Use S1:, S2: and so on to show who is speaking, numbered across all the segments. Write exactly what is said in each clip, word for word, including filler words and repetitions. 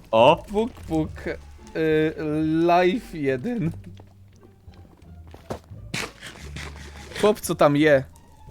S1: O!
S2: Puk, puk. Y, live jeden. Chłop, co tam je?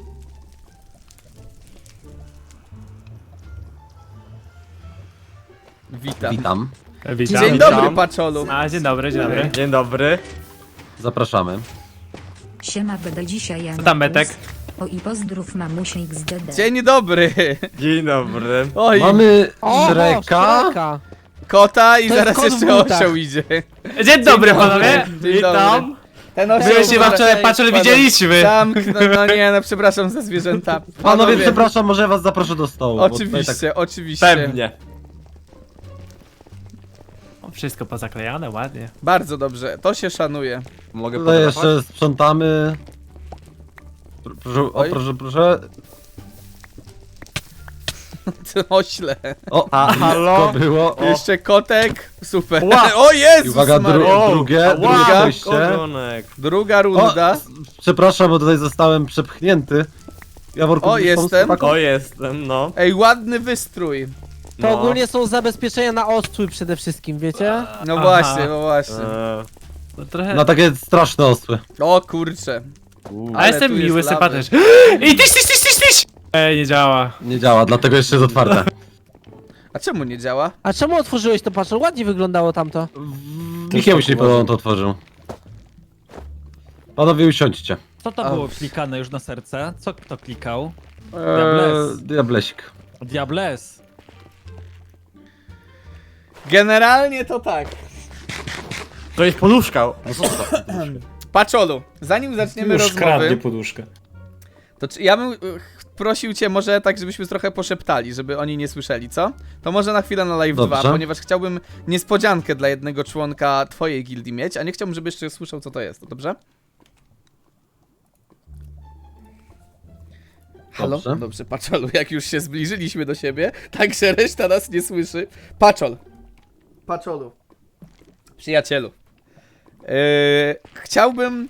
S2: Witam.
S3: Witam.
S4: Witam.
S2: Dzień
S1: Witam.
S2: dobry, Paczolu.
S4: A, dzień dobry, dzień dobry.
S1: Dzień dobry.
S3: Zapraszamy.
S5: Siema Bede dzisiaj ja.
S4: Co tam, Betek?
S5: O i pozdrów mamusie X D D.
S2: Dzień dobry.
S1: Dzień dobry.
S2: Oj,
S3: Mamy
S6: O,
S3: Shreka.
S6: Shreka.
S2: kota i
S6: To jest
S2: zaraz
S6: kot w
S2: jeszcze
S6: butach.
S2: osioł idzie.
S4: Dzień dobry,
S2: dobry.
S4: panowie.
S2: Dzień
S4: Witam.
S2: Ten osioł...
S4: My się wam wczoraj
S2: Ej,
S4: patrzyli,
S2: panu-
S4: widzieliśmy.
S2: Zamknę, no nie, no przepraszam za zwierzęta.
S3: Panowie, przepraszam, może was zaproszę do stołu. bo tutaj
S2: Oczywiście, oczywiście.
S1: Pewnie.
S4: O, wszystko pozaklejane, ładnie.
S2: Bardzo dobrze, to się szanuje.
S1: Mogę
S3: Tak, tutaj
S1: fotografować?
S3: jeszcze sprzątamy. Pr- Proszę, o
S2: Oj.
S3: proszę, proszę.
S2: Ośle.
S3: O,
S1: A,
S3: blisko
S1: halo?
S3: było. O.
S2: Jeszcze kotek. Super.
S1: Ła.
S2: O Jezus
S3: I uwaga, dru
S2: Maria.
S1: O,
S3: drugie,
S1: ała,
S3: drugie przejście.
S1: kogonek.
S2: Druga
S3: O,
S2: runda.
S3: s- przepraszam, bo tutaj zostałem przepchnięty. Jaworku,
S2: O,
S3: gdzieś pomóc
S2: jestem.
S3: chłopakom?
S1: O, jestem, no.
S2: Ej, ładny wystrój.
S6: To
S1: No.
S6: ogólnie są zabezpieczenia na ostrój przede wszystkim, wiecie?
S2: No
S4: Aha.
S2: właśnie, no właśnie.
S1: Eee,
S4: No, trochę...
S3: Na takie straszne osły.
S2: O kurcze.
S1: u.
S4: A
S2: ale
S4: jestem
S2: tu jest
S4: miły,
S2: lawy.
S4: sympatyczny. I tyś, tyś, tyś, tyś, tyś! Ej, nie działa.
S3: Nie działa, dlatego jeszcze jest otwarte.
S2: A czemu nie działa?
S6: A czemu otworzyłeś to, patrz, ładnie wyglądało tamto.
S3: Michał się podobno to otworzył. Panowie, usiądźcie.
S7: Co to
S2: A.
S7: było klikane już na serce? Co kto klikał?
S3: Eee,
S7: Diables.
S3: diablesik.
S7: Diables.
S2: Generalnie to tak.
S1: To jest poduszka.
S2: Paczolu, zanim zaczniemy
S8: Już
S2: rozmowy,
S8: kradnie poduszkę.
S2: to czy ja bym y, prosił cię może tak, żebyśmy trochę poszeptali, żeby oni nie słyszeli, co? To może na chwilę na live
S3: Dobrze.
S2: dwa, ponieważ chciałbym niespodziankę dla jednego członka twojej gildii mieć, a nie chciałbym, żeby jeszcze słyszał, co to jest, dobrze? Halo?
S3: Dobrze.
S2: Dobrze, Paczolu, jak już się zbliżyliśmy do siebie, także reszta nas nie słyszy. Paczol. Paczolu. Przyjacielu. Yy, chciałbym...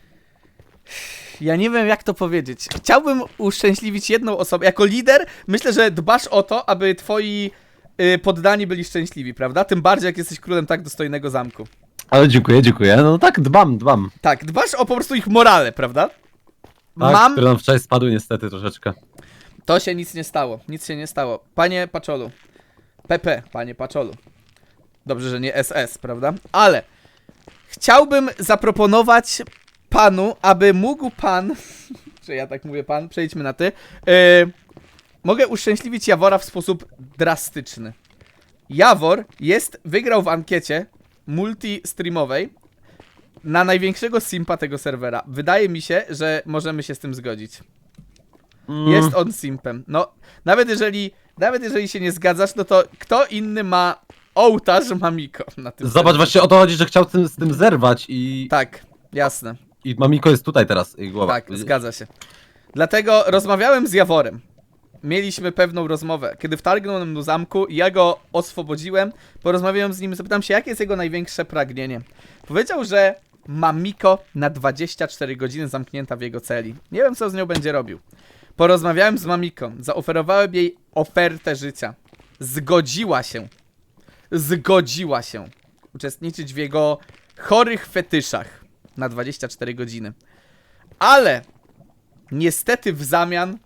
S2: Ja nie wiem, jak to powiedzieć. Chciałbym uszczęśliwić jedną osobę. Jako lider myślę, że dbasz o to, aby twoi yy, poddani byli szczęśliwi, prawda? Tym bardziej, jak jesteś królem tak dostojnego zamku.
S3: Ale dziękuję, dziękuję. No tak, dbam, dbam.
S2: Tak, dbasz o po prostu ich morale, prawda?
S3: Tak,
S2: Mam...
S3: które nam wczoraj spadły niestety troszeczkę.
S2: To się nic nie stało, nic się nie stało. Panie Paczolu. P P, panie Paczolu. Dobrze, że nie S S, prawda? Ale chciałbym zaproponować panu, aby mógł pan, czy ja tak mówię pan, przejdźmy na ty, yy, mogę uszczęśliwić Jawora w sposób drastyczny. Jawor jest, wygrał w ankiecie multi-streamowej na największego simpa tego serwera. Wydaje mi się, że możemy się z tym zgodzić.
S3: Mm.
S2: Jest on simpem. No, nawet jeżeli, nawet jeżeli się nie zgadzasz, no to kto inny ma ołtarz Mamiko na tym
S3: Zobacz,
S2: serwerze?
S3: właśnie o to chodzi, że chciał tym, z tym zerwać i,
S2: Tak, jasne.
S3: i Mamiko jest tutaj teraz, jej głowa.
S2: Tak, zgadza się. Dlatego rozmawiałem z Jaworem. Mieliśmy pewną rozmowę. Kiedy wtargnął nam do zamku, ja go oswobodziłem, porozmawiałem z nim, zapytam się, jakie jest jego największe pragnienie. Powiedział, że Mamiko na dwadzieścia cztery godziny zamknięta w jego celi. Nie wiem, co z nią będzie robił. Porozmawiałem z Mamiką, zaoferowałem jej ofertę życia. Zgodziła się. Zgodziła się uczestniczyć w jego chorych fetyszach na dwadzieścia cztery godziny. Ale niestety w zamian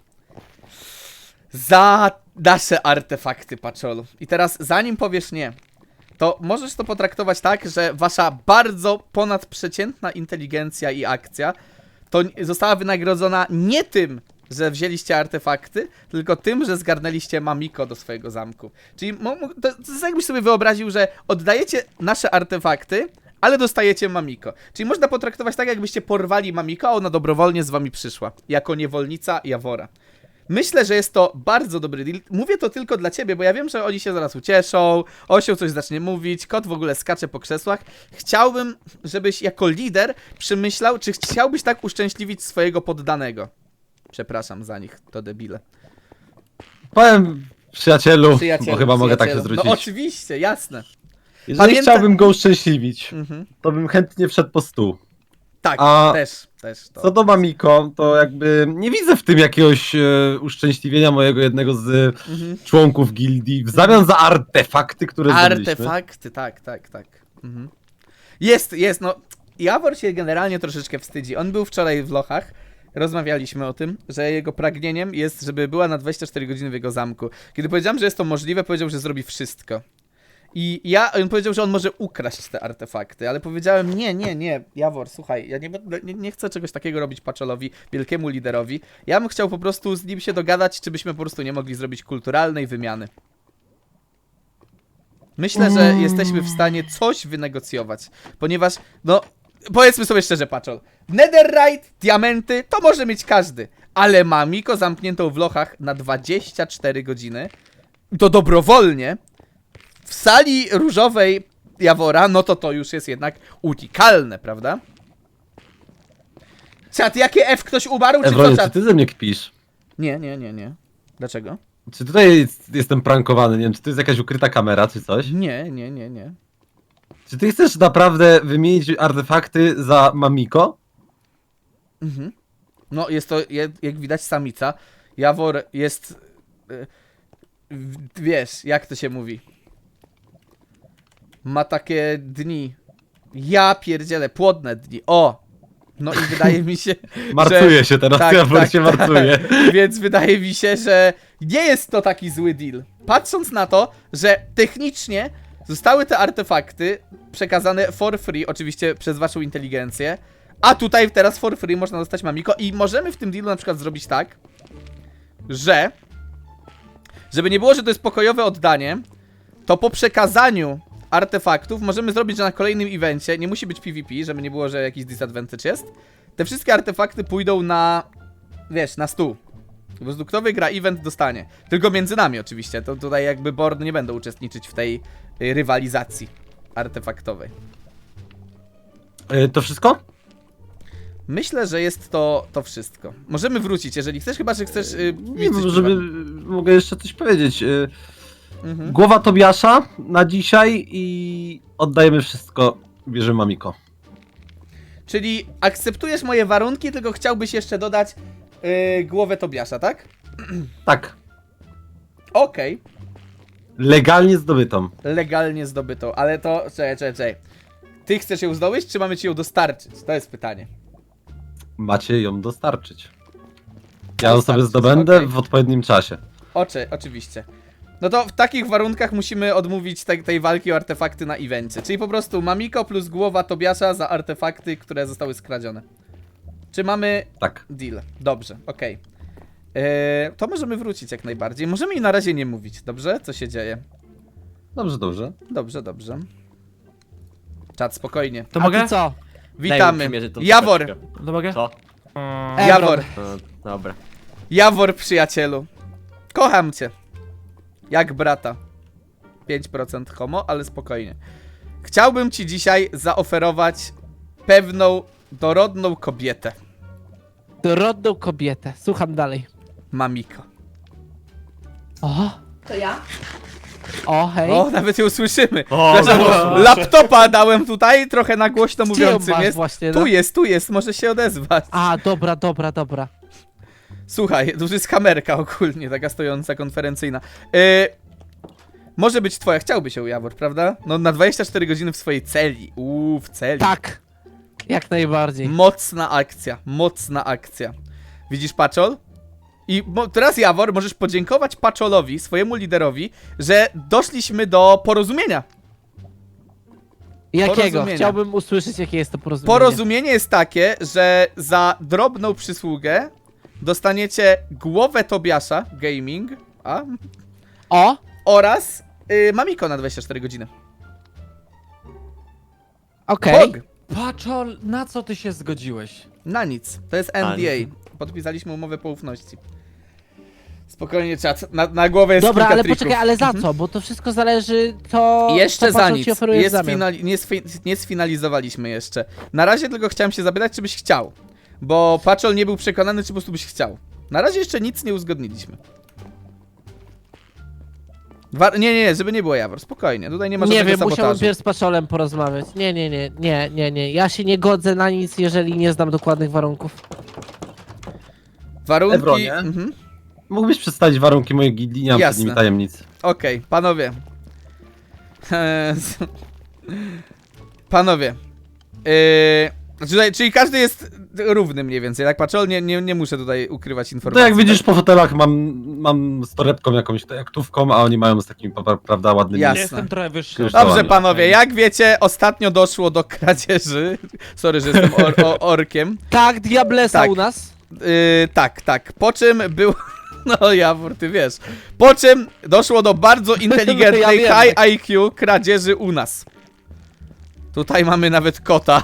S2: za nasze artefakty, Paczolu. I teraz, zanim powiesz nie, to możesz to potraktować tak, że wasza bardzo ponadprzeciętna inteligencja i akcja to została wynagrodzona nie tym, że wzięliście artefakty, tylko tym, że zgarnęliście Mamiko do swojego zamku. Czyli mo- mo- to, to jest jakbyś sobie wyobraził, że oddajecie nasze artefakty, ale dostajecie Mamiko. Czyli można potraktować tak, jakbyście porwali Mamiko, a ona dobrowolnie z wami przyszła. Jako niewolnica Jawora. Myślę, że jest to bardzo dobry deal. Mówię to tylko dla ciebie, bo ja wiem, że oni się zaraz ucieszą, Osioł coś zacznie mówić, kot w ogóle skacze po krzesłach. Chciałbym, żebyś jako lider przemyślał, czy chciałbyś tak uszczęśliwić swojego poddanego. Przepraszam za nich, to debile.
S3: Powiem przyjacielu,
S2: Przyjacielu,
S3: bo chyba mogę tak się
S2: przyjacielu.
S3: zwrócić.
S2: No oczywiście, jasne.
S3: Jeżeli
S2: Pamięta-
S3: chciałbym go uszczęśliwić,
S2: Mhm.
S3: to bym chętnie wszedł po stół.
S2: Tak,
S3: A
S2: też, też to.
S3: co do Mamiko, to jakby nie widzę w tym jakiegoś e, uszczęśliwienia mojego jednego z
S2: Mhm.
S3: członków gildii w zamian za artefakty, które zdobyliśmy.
S2: Artefakty, tak, tak, tak. Mhm. Jest, jest, no. Jawor się generalnie troszeczkę wstydzi. On był wczoraj w lochach. Rozmawialiśmy o tym, że jego pragnieniem jest, żeby była na dwadzieścia cztery godziny w jego zamku. Kiedy powiedziałem, że jest to możliwe, powiedział, że zrobi wszystko. I ja, on powiedział, że on może ukraść te artefakty, ale powiedziałem, nie, nie, nie, Jawor, słuchaj, ja nie, będę- nie, nie chcę czegoś takiego robić Paczolowi, wielkiemu liderowi. Ja bym chciał po prostu z nim się dogadać, czy byśmy po prostu nie mogli zrobić kulturalnej wymiany. Myślę, że jesteśmy w stanie coś wynegocjować, ponieważ, no, powiedzmy sobie szczerze, Paczol, netherite, diamenty, to może mieć każdy, ale Mamiko zamkniętą w lochach na dwadzieścia cztery godziny, to dobrowolnie, w sali różowej Jawora, no to to już jest jednak unikalne, prawda? Czat, jakie F ktoś umarł, czy
S3: Ewronie,
S2: co
S3: czy
S2: czat?
S3: ty ze mnie kpisz?
S2: Nie, nie, nie, nie. Dlaczego?
S3: Czy tutaj jest, jestem prankowany? Nie wiem, czy to jest jakaś ukryta kamera, czy coś?
S2: Nie, nie, nie, nie.
S3: Czy ty chcesz naprawdę wymienić artefakty za Mamiko?
S2: Mhm. No, jest to, jak, jak widać, samica. Jawor jest... y, w- wiesz, jak to się mówi? Ma takie dni. Ja pierdzielę, płodne dni. O! No i wydaje mi się,
S3: Martuje
S2: że...
S3: się teraz,
S2: tak,
S3: Jawor
S2: tak,
S3: się
S2: tak.
S3: martuje.
S2: Więc wydaje mi się, że nie jest to taki zły deal. Patrząc na to, że technicznie zostały te artefakty przekazane for free, oczywiście przez waszą inteligencję, a tutaj teraz for free można dostać Mamiko i możemy w tym dealu na przykład zrobić tak, że żeby nie było, że to jest pokojowe oddanie, to po przekazaniu artefaktów możemy zrobić, że na kolejnym evencie, nie musi być PvP, żeby nie było, że jakiś disadvantage jest, te wszystkie artefakty pójdą na, wiesz, na stół. Po prostu kto wygra event dostanie. Tylko między nami oczywiście, to tutaj jakby board nie będą uczestniczyć w tej y, rywalizacji artefaktowej.
S3: E, To wszystko?
S2: Myślę, że jest to, to wszystko. Możemy wrócić, jeżeli chcesz, chyba że chcesz... Yy,
S3: Nie wiem, żeby... Mogę jeszcze coś powiedzieć. E,
S2: Mhm.
S3: Głowa Tobiasza na dzisiaj i oddajemy wszystko, bierzemy Mamiko.
S2: Czyli akceptujesz moje warunki, tylko chciałbyś jeszcze dodać yy, głowę Tobiasza, tak?
S3: Tak,
S2: Okej.
S3: legalnie zdobytą.
S2: Legalnie zdobytą, ale to... Czekaj, czekaj, czekaj. Ty chcesz ją zdobyć, czy mamy ci ją dostarczyć? To jest pytanie.
S3: Macie ją dostarczyć. Ja ją sobie
S2: Dostarczyć,
S3: zdobędę
S2: okej.
S3: w odpowiednim czasie.
S2: Oczy, oczywiście. No to w takich warunkach musimy odmówić te, tej walki o artefakty na evencie. Czyli po prostu Mamiko plus głowa Tobiasza za artefakty, które zostały skradzione. Czy mamy
S3: Tak.
S2: deal? Dobrze, okej. Eee, to możemy wrócić jak najbardziej. Możemy im na razie nie mówić, dobrze? Co się dzieje?
S3: Dobrze, dobrze.
S2: Dobrze, dobrze. Czat, spokojnie.
S4: To
S6: A
S4: mogę?
S6: ty co?
S2: Witamy.
S1: przymierzyć tą
S2: Jawor.
S1: czapeczkę.
S4: To mogę?
S1: Co?
S4: Mm,
S2: Jawor.
S1: No, dobra.
S2: Jawor, przyjacielu. Kocham cię. Jak brata. pięć procent homo, ale spokojnie. Chciałbym ci dzisiaj zaoferować pewną dorodną kobietę.
S6: Dorodną kobietę. Słucham dalej.
S2: Mamiko.
S6: O,
S8: To ja?
S6: o hej.
S2: O, nawet ją słyszymy.
S1: O,
S2: Zresztą
S1: no.
S2: laptopa dałem tutaj, trochę na głośno
S6: Gdzie ją
S2: mówiącym
S6: masz
S2: jest.
S6: właśnie,
S2: Tu
S6: no?
S2: jest, tu jest, może się odezwać.
S6: A, dobra, dobra, dobra.
S2: Słuchaj, tu jest kamerka ogólnie, taka stojąca, konferencyjna. Yy, może być twoja, chciałby się Jawor, prawda? No na dwadzieścia cztery godziny w swojej celi. Uuu, w celi.
S6: Tak. Jak najbardziej.
S2: Mocna akcja, mocna akcja. Widzisz, Paczol? I mo- teraz, Jawor, możesz podziękować Paczolowi, swojemu liderowi, że doszliśmy do porozumienia.
S6: Jakiego?
S2: porozumienia.
S6: Chciałbym usłyszeć, jakie jest to porozumienie.
S2: Porozumienie jest takie, że za drobną przysługę dostaniecie głowę Tobiasza Gaming, a,
S6: O,
S2: oraz y, Mamiko na dwadzieścia cztery godziny.
S6: okej.
S2: Bog.
S7: Paczol, na co ty się zgodziłeś?
S2: Na nic. To jest N
S1: A,
S2: D A. Podpisaliśmy umowę poufności. Spokojnie, czat. Na, na głowę jest
S6: Dobra,
S2: kilka
S6: ale
S2: trików.
S6: poczekaj, ale za co? Bo to wszystko zależy, to
S2: I jeszcze
S6: to
S2: za
S6: patrzą
S2: nic.
S6: ci oferuje w
S2: Jest
S6: zamian.
S2: finali- nie, sfi- nie sfinalizowaliśmy jeszcze. Na razie tylko chciałem się zapytać, czy byś chciał. Bo Paczol nie był przekonany, czy po prostu byś chciał. Na razie jeszcze nic nie uzgodniliśmy. Wa nie, nie, nie, żeby nie było Jawor, spokojnie, tutaj nie ma
S6: Nie
S2: żadnego
S6: wiem, musiałbym
S2: sabotażu.
S6: pierw z Paczolem porozmawiać. Nie, nie, nie, nie, nie, nie. Ja się nie godzę na nic, jeżeli nie znam dokładnych warunków.
S2: Warunki...
S3: Ebronie?
S2: Mhm.
S3: Mógłbyś przedstawić warunki mojej gildii, nie mam
S2: Jasne.
S3: przed nimi tajemnic.
S2: Okej, panowie. Eee, z- panowie. Eee, tutaj, czyli każdy jest równy mniej więcej, tak patrzę, nie, nie, nie muszę tutaj ukrywać
S3: To
S2: informacji.
S3: jak widzisz po fotelach mam, mam z torebką jakąś tutaj aktówką, a oni mają z takimi, pa- prawda, ładnymi...
S2: Jasne.
S7: Jestem trochę wyższy.
S3: Już
S2: Dobrze,
S3: działamy.
S2: panowie, jak wiecie, ostatnio doszło do kradzieży. Sorry, że jestem or o orkiem.
S6: Tak, Diablesa
S2: Tak.
S6: u nas.
S2: Yy, tak, tak. Po czym był. No, Jawór, ty wiesz. Po czym doszło do bardzo inteligentnej
S6: Ja wiem.
S2: high I Q kradzieży u nas. Tutaj mamy nawet kota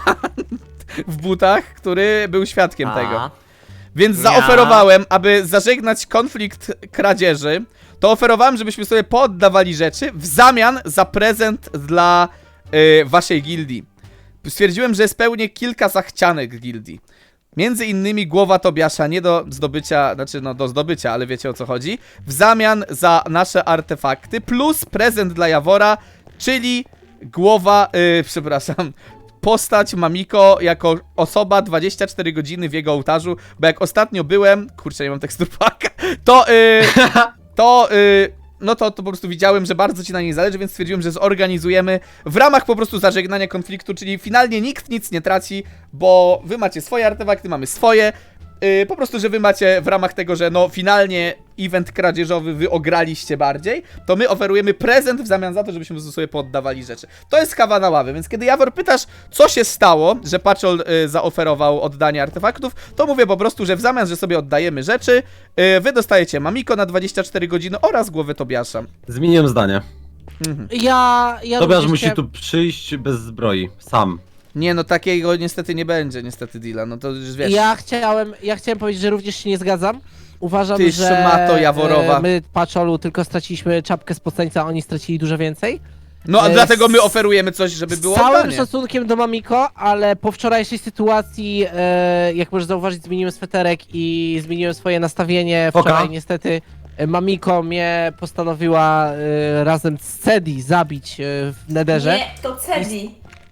S2: w butach, który był świadkiem tego. Więc
S1: Ja.
S2: zaoferowałem, aby zażegnać konflikt kradzieży, to oferowałem, żebyśmy sobie pooddawali rzeczy w zamian za prezent dla y, waszej gildii. Stwierdziłem, że spełnię kilka zachcianek gildii. Między innymi głowa Tobiasza nie do zdobycia, znaczy no do zdobycia, ale wiecie o co chodzi. W zamian za nasze artefakty plus prezent dla Jawora, czyli głowa, yy, przepraszam, postać Mamiko jako osoba dwadzieścia cztery godziny w jego ołtarzu, bo jak ostatnio byłem, kurczę nie mam teksturpaka, to yy, to yy, no to, to po prostu widziałem, że bardzo ci na niej zależy, więc stwierdziłem, że zorganizujemy w ramach po prostu zażegnania konfliktu, czyli finalnie nikt nic nie traci, bo wy macie swoje artefakty, mamy swoje, yy, po prostu, że wy macie w ramach tego, że no finalnie event kradzieżowy wy ograliście bardziej, to my oferujemy prezent w zamian za to, żebyśmy po prostu sobie poddawali rzeczy. To jest kawa na ławę, więc kiedy Jawor pytasz, co się stało, że Paczol y, zaoferował oddanie artefaktów, to mówię po prostu, że w zamian, że sobie oddajemy rzeczy, y, wy dostajecie Mamiko na dwadzieścia cztery godziny oraz głowę Tobiasza.
S3: Zmieniłem zdanie.
S2: Mhm.
S6: Ja, ja
S3: Tobiasz
S6: również
S3: musi
S6: chciałem-
S3: tu przyjść bez zbroi, sam.
S2: Nie, no takiego niestety nie będzie, niestety deala, no to już wiesz.
S6: Ja chciałem, ja chciałem powiedzieć, że również się nie zgadzam. Uważam,
S2: Ty
S6: że
S2: szmato jaworowa.
S6: e, my Paczolu tylko straciliśmy czapkę spoceńca, a oni stracili dużo więcej.
S2: No a
S6: e,
S2: dlatego my
S6: z-
S2: oferujemy coś, żeby było
S6: Z całym
S2: oddanie.
S6: szacunkiem do Mamiko, ale po wczorajszej sytuacji, e, jak możesz zauważyć, zmieniłem sweterek i zmieniłem swoje nastawienie.
S3: Oka.
S6: Wczoraj niestety e, Mamiko mnie postanowiła e, razem z Cedi zabić e, w Nederze.
S8: Nie, to Cedi.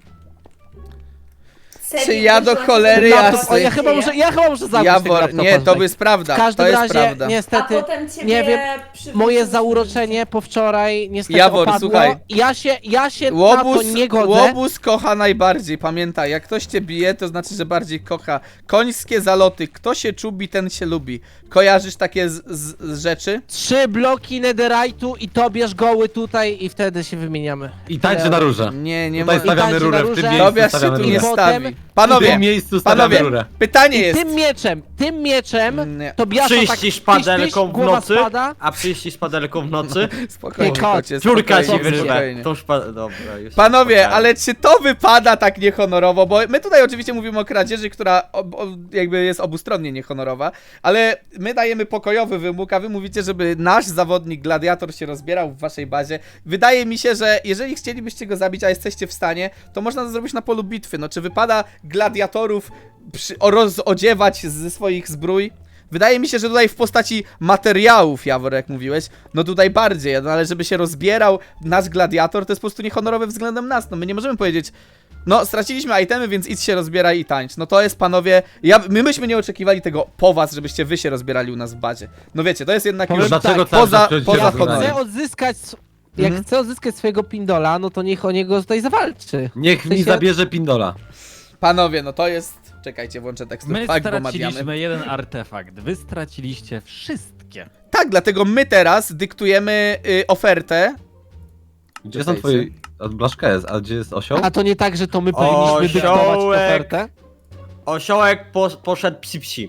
S8: Cedi
S2: Czy ja do
S8: wróciła
S2: cholery
S8: się
S2: jasnej-
S6: Laptop, o, ja chyba muszę, ja chyba muszę zabić tego
S2: Jawor,
S6: laptopa,
S2: nie, to
S6: tak.
S2: jest prawda,
S6: W każdym
S2: to jest
S6: razie,
S2: prawda.
S8: A
S6: niestety,
S8: potem ciebie
S6: nie wiem,
S8: przywrócił
S6: moje
S8: z
S6: zauroczenie po wczoraj niestety
S2: Jawor,
S6: opadło.
S2: słuchaj.
S6: Ja się, ja się na
S2: Łobuz,
S6: to nie godzę.
S2: łobuz kocha najbardziej, pamiętaj, jak ktoś cię bije, to znaczy, że bardziej kocha. Końskie zaloty, kto się czubi, ten się lubi. Kojarzysz takie z, z, z rzeczy?
S6: Trzy bloki netherite'u i to bierz goły tutaj i wtedy się wymieniamy.
S3: I tańczy na rurze.
S2: Nie, nie
S3: Tutaj
S2: ma...
S3: stawiamy
S6: tańczy
S3: rurę,
S6: na
S3: w tym
S6: róże.
S3: miejscu
S2: Tobiasz się
S3: stawiamy
S2: tu
S3: rurę.
S2: nie
S6: I potem-
S2: stawi.
S3: W tym
S2: Panowie,
S3: miejscu stawiamy
S2: panowie,
S3: rurę.
S2: pytanie
S6: I
S2: jest...
S6: tym mieczem, tym mieczem
S2: Nie.
S6: to biasza tak
S1: Przyjść
S6: tyś,
S1: szpadelką
S6: tyś,
S1: w
S6: głowa
S1: nocy,
S6: spada.
S1: a przyjść szpadelką w nocy,
S2: Spokojnie,
S6: Ty kot,
S2: kocie,
S1: ciurka ci
S2: spokojnie,
S1: wyrwę.
S2: spokojnie.
S1: Tą szpa... Dobra, już.
S2: Panowie,
S1: spokojnie.
S2: ale czy to wypada tak niehonorowo? Bo my tutaj oczywiście mówimy o kradzieży, która ob, ob, jakby jest obustronnie niehonorowa, ale my dajemy pokojowy wymóg, a wy mówicie, żeby nasz zawodnik gladiator się rozbierał w waszej bazie. Wydaje mi się, że jeżeli chcielibyście go zabić, a jesteście w stanie, to można to zrobić na polu bitwy. No czy wypada gladiatorów przy, o, rozodziewać ze swoich zbrój? Wydaje mi się, że tutaj w postaci materiałów, Jawor, jak mówiłeś, no tutaj bardziej, no ale żeby się rozbierał nasz gladiator, to jest po prostu niehonorowe względem nas, no my nie możemy powiedzieć, no straciliśmy itemy, więc idź się rozbieraj i tańcz, no to jest, panowie, ja, my myśmy nie oczekiwali tego po was, żebyście wy się rozbierali u nas w bazie, no wiecie, to jest jednak
S6: Powiem
S2: już
S3: Dlaczego
S6: tak,
S3: cały
S2: poza-
S3: czas przychodzicie
S2: poza
S3: z
S6: Jak
S3: rurami?
S2: honorem.
S6: chcę odzyskać, jak
S2: Mhm.
S6: chcę odzyskać swojego pindola, no to niech o niego tutaj zawalczy.
S3: Niech
S6: W
S3: mi
S6: sensie-
S3: zabierze pindola.
S2: panowie, no to jest, czekajcie, włączę tekstur,
S7: My
S2: fakt, bo madiamy.
S7: straciliśmy jeden artefakt, wy straciliście wszystkie.
S2: Tak, dlatego my teraz dyktujemy y, ofertę,
S3: Gdzie są twoje... A Blaszka jest, a gdzie jest osioł?
S6: A to nie tak, że to my
S1: O,
S6: powinniśmy dyktować
S1: siołek.
S6: ofertę?
S1: Osiołek po, poszedł psi-psi.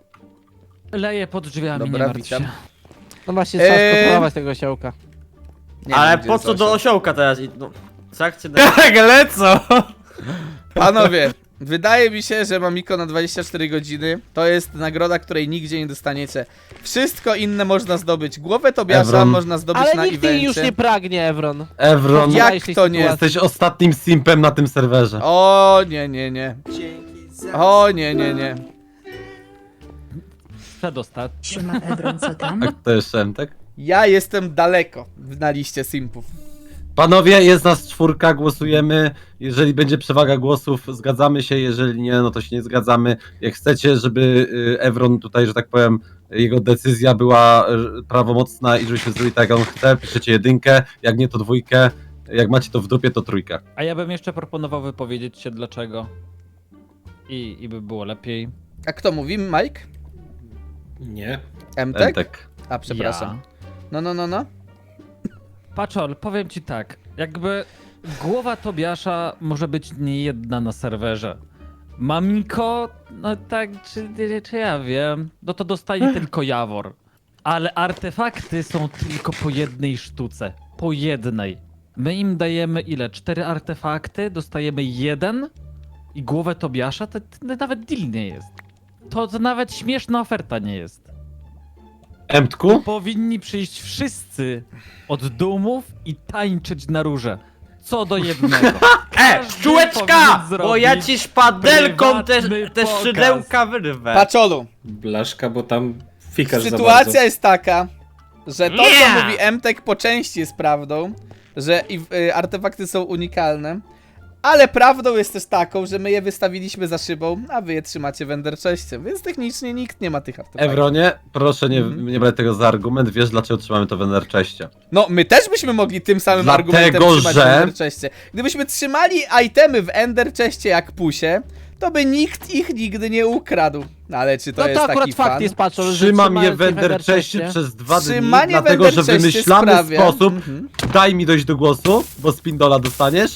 S7: Leję pod drzwiami,
S2: Dobra,
S7: nie martw się.
S2: witam.
S6: No właśnie, trzeba
S2: Eee.
S6: skontrolować tego siołka.
S2: Nie
S1: Ale
S2: wiem, gdzie
S1: po
S2: jest
S1: co do
S2: osioł.
S1: osiołka teraz? I- No, co jak cię
S4: Tak, lecą!
S2: Panowie, wydaje mi się, że Mamiko na dwadzieścia cztery godziny to jest nagroda, której nigdzie nie dostaniecie. Wszystko inne można zdobyć. Głowę Tobiasza
S3: Evron.
S2: można zdobyć
S6: Ale
S2: na
S6: nikt jej już
S2: evencie.
S6: nie pragnie, Evron.
S3: Evron,
S2: Jak
S6: Wczorajszej
S2: to nie?
S6: sytuacji.
S3: jesteś ostatnim simpem na tym serwerze.
S2: O nie, nie, nie. O nie, nie, nie.
S7: Przedostatni.
S5: Siema Ebron, co tam?
S3: A to jeszcze Emtek?
S2: Ja jestem daleko na liście simpów.
S3: Panowie, jest nas czwórka, głosujemy. Jeżeli będzie przewaga głosów, zgadzamy się. Jeżeli nie, no to się nie zgadzamy. Jak chcecie, żeby y, Evron tutaj, że tak powiem, jego decyzja była y, prawomocna i żebyśmy zrobili tak, jak on chce, piszecie jedynkę. Jak nie, to dwójkę. Jak macie to w dupie, to trójkę.
S7: A ja bym jeszcze proponował wypowiedzieć się dlaczego. I, i by było lepiej.
S2: A kto mówi? Mike?
S8: Nie.
S2: Emtek?
S3: Entek.
S2: A, przepraszam.
S7: Ja.
S2: No, no, no, no.
S7: Paczol, powiem ci tak. Jakby głowa Tobiasza może być nie jedna na serwerze. Mamiko, no tak, czy, czy ja wiem, no to dostaje tylko Jawor. Ale artefakty są tylko po jednej sztuce. Po jednej. My im dajemy ile? Cztery artefakty, dostajemy jeden i głowę Tobiasza, to, to nawet deal nie jest. To, to nawet śmieszna oferta nie jest.
S3: Emtku?
S7: Powinni przyjść wszyscy od dumów i tańczyć na róże. Co do jednego.
S1: E,
S7: Każdy
S1: czułeczka!
S7: powinien
S1: Bo ja
S7: zrobić
S1: ci szpadelką te,
S7: prywatny
S1: te
S7: pokaz.
S1: szydełka wyrwę.
S2: Paczolu,
S8: Blaszka, bo tam fikasz za
S2: sytuacja
S8: bardzo.
S2: jest taka, że to,
S1: Nie!
S2: co mówi Emtek, po części jest prawdą, że i, y, artefakty są unikalne, ale prawdą jest też taką, że my je wystawiliśmy za szybą, a wy je trzymacie w Ender Chestie, więc technicznie nikt nie ma tych artefaktów.
S3: Evronie, proszę nie,
S2: Mhm.
S3: nie brać tego za argument. Wiesz, dlaczego trzymamy to w Ender Chestie?
S2: No, my też byśmy mogli tym samym
S3: Dlatego,
S2: argumentem trzymać
S3: że-
S2: w Ender Chestie. Gdybyśmy trzymali itemy w Ender Chestie jak pusie, to by nikt ich nigdy nie ukradł. No, ale czy to
S6: No
S2: jest
S6: to akurat
S2: taki
S6: fakt
S2: fan?
S6: jest, Paczol, że
S3: Trzymam je
S6: trzymając
S3: w Ender Chestie
S6: Chestie-
S3: przez dwa dni,
S2: Trzymanie w
S3: dlatego,
S2: Ender
S3: że
S2: Chestie
S3: wymyślamy
S2: sprawia-
S3: sposób.
S2: Mhm.
S3: Daj mi dojść do głosu, bo spindola dostaniesz.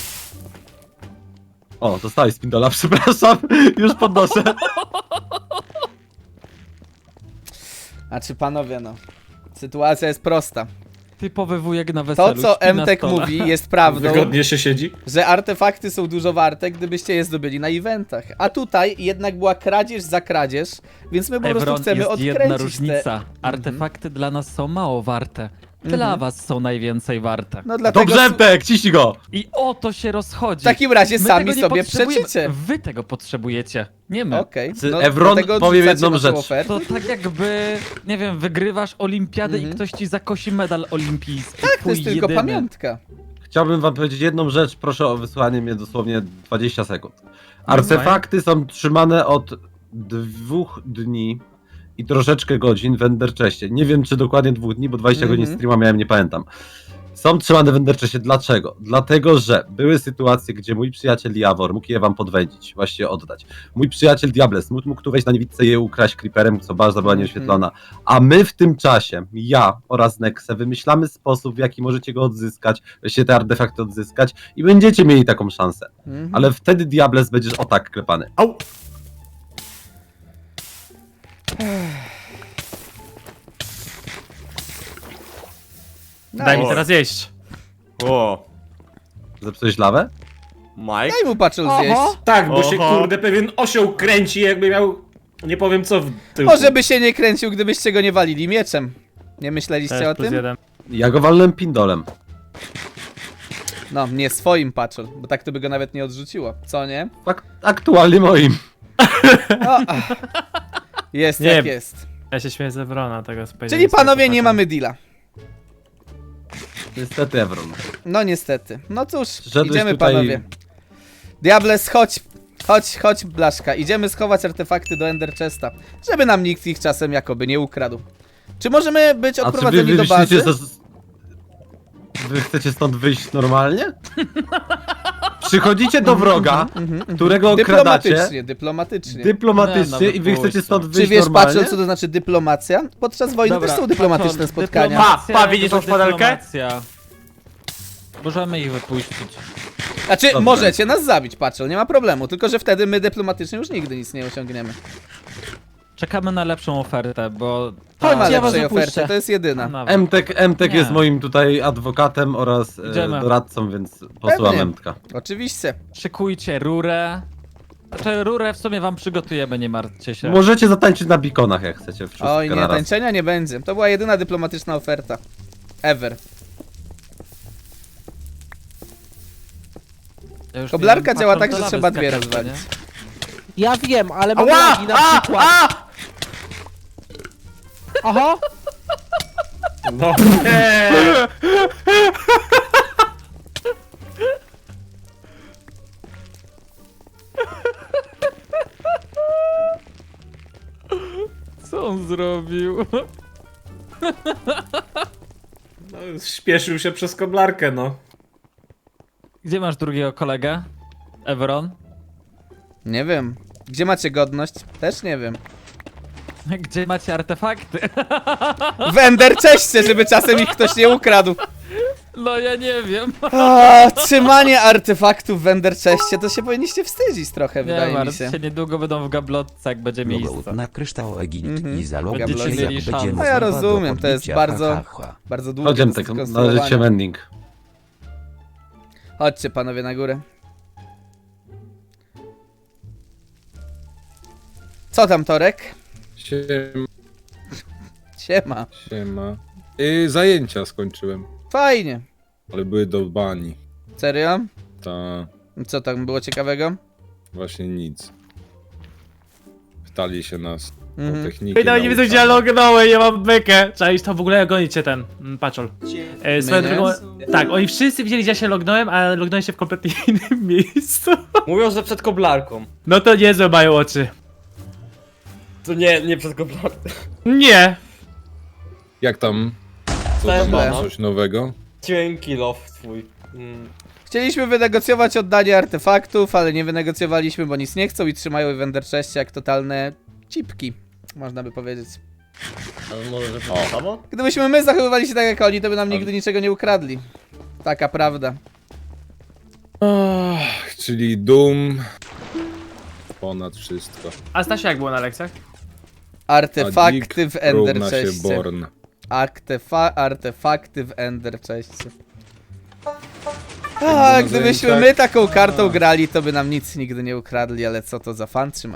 S3: O, dostałeś spindola, przepraszam. Już podnoszę.
S2: A czy panowie, no. Sytuacja jest prosta.
S7: Typowy wujek na weselu.
S2: To, co
S7: śpi na
S2: Emtek
S7: stole.
S2: mówi, jest prawdą,
S8: Wygodnie się siedzi.
S2: że artefakty są dużo warte, gdybyście je zdobyli na eventach. A tutaj jednak była kradzież za kradzież, więc my po prostu
S7: Evron,
S2: chcemy
S7: jest
S2: odkręcić
S7: jedna
S2: te...
S7: różnica. Artefakty dla nas są mało warte. Dla
S2: Mhm.
S7: was są najwięcej warte.
S2: No dlatego...
S3: Dobrze, Emtek, ciśnij go.
S7: I o to się rozchodzi.
S2: W takim razie
S7: My
S2: sami
S7: tego nie
S2: sobie
S7: potrzebujemy.
S2: przeczycie.
S7: Wy tego potrzebujecie, nie my.
S2: Okej.
S3: Czy
S2: No,
S3: Evron
S2: dlatego
S3: powie
S2: odrzucacie
S3: jedną
S2: naszą
S3: rzecz.
S2: ofertę?
S7: To tak jakby, nie wiem, wygrywasz olimpiadę
S2: Mhm.
S7: i ktoś ci zakosi medal olimpijski.
S2: Tak, to
S7: Twój
S2: jest tylko
S7: jedyny.
S2: pamiątka.
S3: Chciałbym wam powiedzieć jedną rzecz, proszę o wysłanie mnie dosłownie dwadzieścia sekund. Artefakty są trzymane od dwóch dni i troszeczkę godzin w Ender Chestie. Nie wiem, czy dokładnie dwóch dni, bo dwadzieścia
S2: Mhm.
S3: godzin streama miałem, nie pamiętam. Są trzymane w Ender Chestie. Dlaczego? Dlatego, że były sytuacje, gdzie mój przyjaciel Jawor mógł je wam podwędzić, właściwie oddać. Mój przyjaciel Diables mógł, mógł tu wejść na niewidce i je ukraść creeperem, co bardzo była
S2: Mhm.
S3: nieoświetlona. A my w tym czasie, ja oraz Nexe, wymyślamy sposób, w jaki możecie go odzyskać, właściwie te artefakty odzyskać i będziecie mieli taką szansę.
S2: Mhm.
S3: Ale wtedy Diables będziesz o tak klepany. Au!
S4: Daj mi
S2: Nice.
S4: teraz jeść.
S1: O,
S3: Zepsułeś lawę?
S1: Mike?
S2: Daj mu patrzył zjeść.
S6: Oho.
S8: Tak, bo się
S1: Oho.
S8: kurde pewien osioł kręci, jakby miał... Nie powiem co w tyłku.
S2: Może by się nie kręcił, gdybyście go nie walili mieczem. Nie myśleliście
S4: Też
S2: o
S4: plus
S2: tym?
S4: jeden.
S3: Ja go walnę pindolem.
S2: No, nie swoim patrzył, bo tak to by go nawet nie odrzuciło. Co nie?
S3: Tak, aktualnie moim.
S2: No, ach. Jest
S4: Nie.
S2: jak jest.
S4: Ja się śmieję z Evrona, tego spojrzenia.
S2: Czyli panowie nie mamy deala.
S3: Niestety Evron.
S2: No niestety. No cóż,
S3: Przyszedłeś
S2: idziemy
S3: tutaj-
S2: panowie. Diables, chodź. Chodź, chodź Blaszka. Idziemy schować artefakty do Ender Chesta, żeby nam nikt ich czasem jakoby nie ukradł. Czy możemy być
S3: A czy wy,
S2: odprowadzeni
S3: wy
S2: do bazy?
S3: myślicie, że... Wy chcecie stąd wyjść normalnie? Przychodzicie do wroga, którego okradacie
S2: Dyplomatycznie, dyplomatycznie.
S3: dyplomatycznie
S7: Nie, no
S3: i wy chcecie
S7: wypuśćcie.
S3: stąd
S2: Czy
S3: wyjść
S2: wiesz,
S3: normalnie?
S2: patrząc co to znaczy dyplomacja? Podczas wojny
S7: Dobra,
S2: też są dyplomatyczne
S7: patrz,
S2: spotkania.
S7: dyplomacja
S1: Pa, pa, widzisz
S7: to
S1: tą szpadelkę?
S7: dyplomacja. Możemy ich wypuścić.
S2: Znaczy,
S3: Dobra.
S2: możecie nas zabić, patrzą, nie ma problemu. Tylko, że wtedy my dyplomatycznie już nigdy nic nie osiągniemy.
S7: Czekamy na lepszą ofertę, bo...
S2: Nie ma
S6: ja was
S2: lepszej
S6: opuszczę.
S2: oferty, to jest jedyna.
S7: Nawet.
S3: Mtek, Mtek
S7: Nie.
S3: jest moim tutaj adwokatem oraz e,
S7: Idziemy.
S3: doradcą, więc posyłam
S2: Pewnie.
S3: Mtka.
S2: Oczywiście.
S7: Szykujcie rurę. Znaczy rurę w sumie wam przygotujemy, nie martwcie się.
S3: Możecie zatańczyć na bikonach, jak chcecie. Wszystko
S2: Oj, nie,
S3: naraz.
S2: tańczenia nie będzie. To była jedyna dyplomatyczna oferta. Ever.
S7: Ja już
S2: Koblarka
S7: wiem,
S2: działa
S7: patrząc
S2: tak,
S7: do
S2: że
S7: lawy
S2: trzeba dwie
S7: skakać,
S2: rozwalić.
S7: nie?
S6: Ja wiem, ale mam
S1: Ała!
S6: lagi na
S1: A!
S6: przykład.
S1: A!
S6: Oho!
S8: No nie!
S7: Co on zrobił?
S8: No, śpieszył się przez koblarkę, no.
S7: Gdzie masz drugiego kolegę? Evron?
S2: Nie wiem. Gdzie macie godność? Też nie wiem.
S7: Gdzie macie artefakty?
S2: W Ender Chestie, żeby czasem ich ktoś nie ukradł.
S7: No ja nie wiem.
S2: A, trzymanie artefaktów w Ender Chestie, to się powinniście wstydzić trochę,
S7: Nie
S2: wydaje mi
S7: martw
S2: się.
S7: się, niedługo będą w gablotce, jak będzie miejsce.
S9: Logout na kryształ Egipt
S2: Mhm.
S9: i zaloguj
S2: Będziecie
S9: się,
S7: mieli
S9: jak
S7: szansę.
S9: będzie
S2: No ja
S9: możliwe do
S2: rozumiem, to jest
S9: podbicia,
S2: bardzo-
S9: ha, ha, ha.
S2: Bardzo długo
S3: Chodziem
S2: do
S3: tak,
S2: skonstruowania.
S3: należy się mending.
S2: Chodźcie panowie na górę. Co tam, Torek?
S10: Siema,
S2: Siema.
S10: siema. Yy, zajęcia skończyłem,
S2: Fajnie.
S10: ale były do bani.
S2: Serio?
S10: Ta
S2: Co tam było ciekawego?
S10: właśnie nic. Pytali się nas
S2: Mhm.
S10: o technikę.
S4: Ej, nawet nie wiedzą gdzie ja lognąłem, ja mam bekę. Cześć, to w ogóle gonicie ten mm, paczol. E, swoją
S2: My nie?
S4: drogą, tak, oni wszyscy widzieli gdzie ja się lognąłem, ale lognąłem się w kompletnie innym miejscu.
S1: Mówią, że przed koblarką.
S4: No to niezłe mają oczy.
S1: To nie, nie przed koblarką.
S4: Nie.
S10: Jak tam? Co
S1: Cześć,
S10: tam ma
S1: no.
S10: coś nowego?
S1: Cienki love twój. Mm.
S2: Chcieliśmy wynegocjować oddanie artefaktów, ale nie wynegocjowaliśmy, bo nic nie chcą i trzymają w Ender Chestie jak totalne cipki, można by powiedzieć.
S1: Ale może, że
S10: O.
S1: to samo?
S2: Gdybyśmy my zachowywali się tak jak oni, to by nam nigdy niczego nie ukradli. Taka prawda.
S10: Ach, czyli Doom ponad wszystko.
S4: A Stasiu jak było na lekcjach?
S10: A
S2: Artefakty
S10: Dick
S2: w Ender
S10: równa się
S2: Chestie.
S10: Born.
S2: Artefa artefakty w Ender Chestie. A,
S10: na
S2: gdybyśmy
S10: zajęciach-
S2: my taką kartą grali, to by nam nic nigdy nie ukradli, ale co to za fan, trzymaj.